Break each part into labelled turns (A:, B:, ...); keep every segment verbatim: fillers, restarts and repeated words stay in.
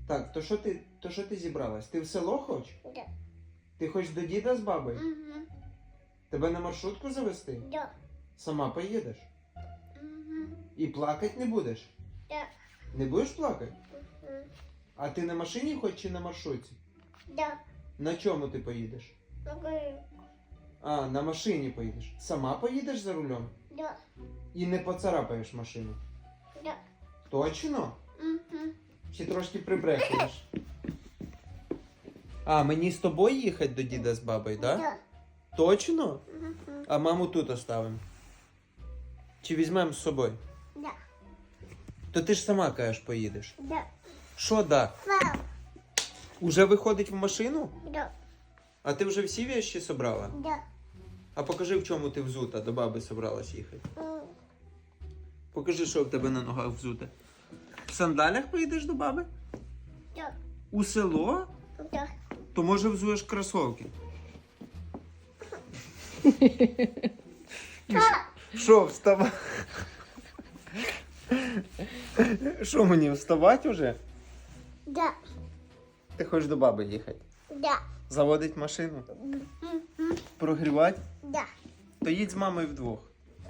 A: Так, то що ти, то що ти зібралась? Ти в село хочеш?
B: Да.
A: Ти хочеш до діда з бабою?
B: Угу.
A: Тебе на маршрутку завести?
B: Да.
A: Сама поїдеш?
B: Угу.
A: І плакати не будеш?
B: Да.
A: Не будеш плакати?
B: Угу.
A: А ти на машині хочеш чи на маршрутці?
B: Да.
A: На чому ти поїдеш?
B: Окей.
A: А, на машині поїдеш. Сама поїдеш за рулем?
B: Да.
A: І не поцарапаєш машину?
B: Да.
A: Точно?
B: Угу.
A: Чи трошки прибрехуєш? А, мені з тобою їхати до діда з бабою, так? Да?
B: Да.
A: Точно?
B: Угу.
A: А маму тут оставимо? Чи візьмемо з собою?
B: Да.
A: То ти ж сама кажеш, поїдеш.
B: Да.
A: Що да?
B: Вау.
A: Уже виходить в машину?
B: Да.
A: А ти вже всі вещи собрала?
B: Да.
A: А покажи, в чому ти взута, до баби собралась їхати.
B: М.
A: Покажи, що в тебе на ногах взуте. В сандалях поїдеш до баби?
B: Да.
A: У село?
B: Да.
A: То може взуєш кросовки? Що, вставай? Що мені, вставати вже?
B: Да.
A: Ти хочеш до баби їхати?
B: Да.
A: Заводить машину?
B: Угу.
A: Прогрівати?
B: Да.
A: То їдь з мамою вдвох.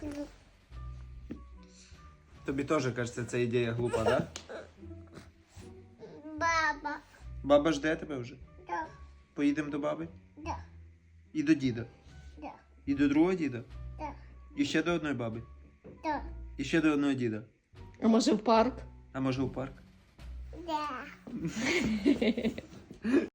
A: Тобі теж, кажеться, ця ідея глупа, да?
B: Баба.
A: Баба жде тебе вже?
B: Да.
A: Поїдемо до баби?
B: Да.
A: І до діда?
B: Да.
A: І до другого діда?
B: Да.
A: І ще до одної баби?
B: Да.
A: І ще до одного діда?
C: А може в парк?
A: А може у парк?
B: Да.